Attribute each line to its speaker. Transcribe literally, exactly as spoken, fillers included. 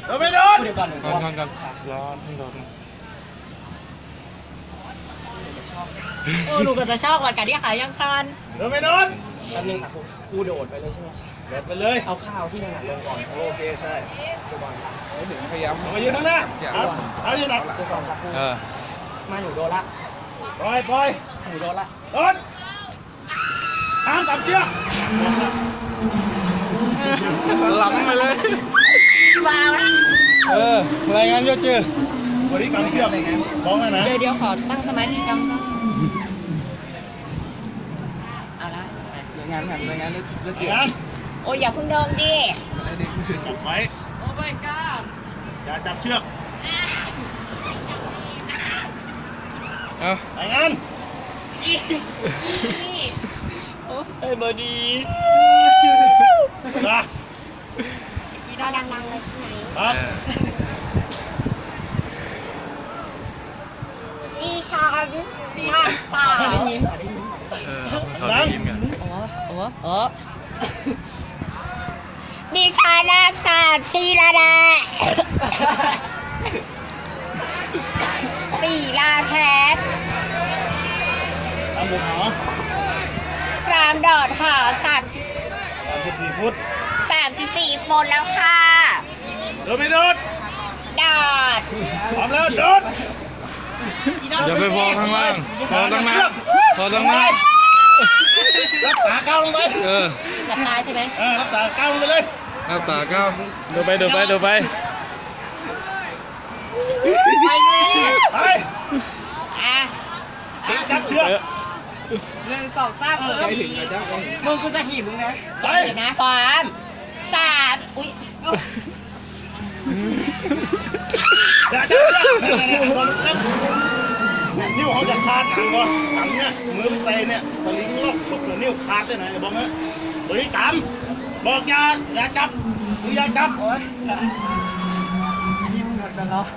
Speaker 1: เราไม่โดน
Speaker 2: เดี๋ยวก่อนหนึ่ง
Speaker 3: ก่อนก่อนก่อนร้อนร้อน
Speaker 4: โอ้ลูกก็จะชอบก่อนกันที่ขายังคัน
Speaker 1: เราไม่โดน
Speaker 2: แป๊บนึงค่ะกูกูโดดไปเลยใช่ไหม
Speaker 1: โดดไปเลย
Speaker 2: เอาข้าวที่ถนัดลงก่อน
Speaker 1: โอเคใช่
Speaker 2: ดูก่อนค่ะ
Speaker 3: พยายาม
Speaker 1: เรามายืนข้างหน้าเอาเอายืนหนัก
Speaker 2: ดูก่อนค่ะกู
Speaker 3: เออ
Speaker 2: มาหนูโดนละ
Speaker 1: ปล่อยปล่อย
Speaker 2: หนูโดนละ
Speaker 1: โดนห้ามจับเชือก
Speaker 3: ล้ำไปเลย
Speaker 4: ว้าวนะ
Speaker 3: เออรายงานเยอะเจอบ
Speaker 1: ริกรรมเชือกบ้องเลยนะ
Speaker 4: เดี๋ยวเดี๋ยวขอตั้งสมาธิกำนะเอาละ
Speaker 3: รายงานงานรายงานเยอะเจอ
Speaker 1: งาน
Speaker 4: โอ้ยอย่าเพิ่งเดิมดิ
Speaker 1: จับไว้
Speaker 4: โอ้ my god
Speaker 1: อย่าจับเชือก
Speaker 3: เอา
Speaker 1: รายงาน
Speaker 4: โอ้ไอ้บอดี
Speaker 1: มา
Speaker 4: กีดาดังๆเลยใช่ไหม
Speaker 1: ครับ
Speaker 4: อีชาดิมาตาได้ยิน
Speaker 3: เออเขาได้ยินกัน
Speaker 4: โอ้โอ้โอ้ดิฉันนักศาสตร์ชีระดาสีลาแพทย์
Speaker 1: ตามบุกหอ
Speaker 4: รามดอดหอสามสิบ
Speaker 1: สามสิบสี่ฟุต
Speaker 4: สามสิบสี่โฟนแล้วค่ะ
Speaker 1: โดนไม่โดน
Speaker 4: ดอด
Speaker 1: พร้อมแล้วโดน
Speaker 3: อย่าไปพอข้างล่างพอตั้งหน้าพอตั้งหน้า
Speaker 1: รักษาก้าวลงไป
Speaker 3: เออ
Speaker 4: หลับตาใช่ไหม
Speaker 1: เออรักษาก้าวลงไปเลย
Speaker 3: หน้าตาก้าว
Speaker 2: ดูไปดูไปดูไป
Speaker 4: ไปเลย
Speaker 1: ไป
Speaker 4: อ่ะ
Speaker 1: จับเชือก
Speaker 4: หนึ่งสองสามเออมึงกูจะหีบมึงนะ
Speaker 1: ไป
Speaker 4: เดี๋ยวนะพร้อมสามอุ้ย
Speaker 1: อย่าจับเชือกนั่นๆๆโดนจับนิ้วเขาจะขาดหนังก่อนหนังเนี่ยมือไปใส่เนี่ยสลิงล็อกทุกนิ้วขาดได้ไหนบอกนะบริกรรมบอกอย่าอย่าจับอย่าจับ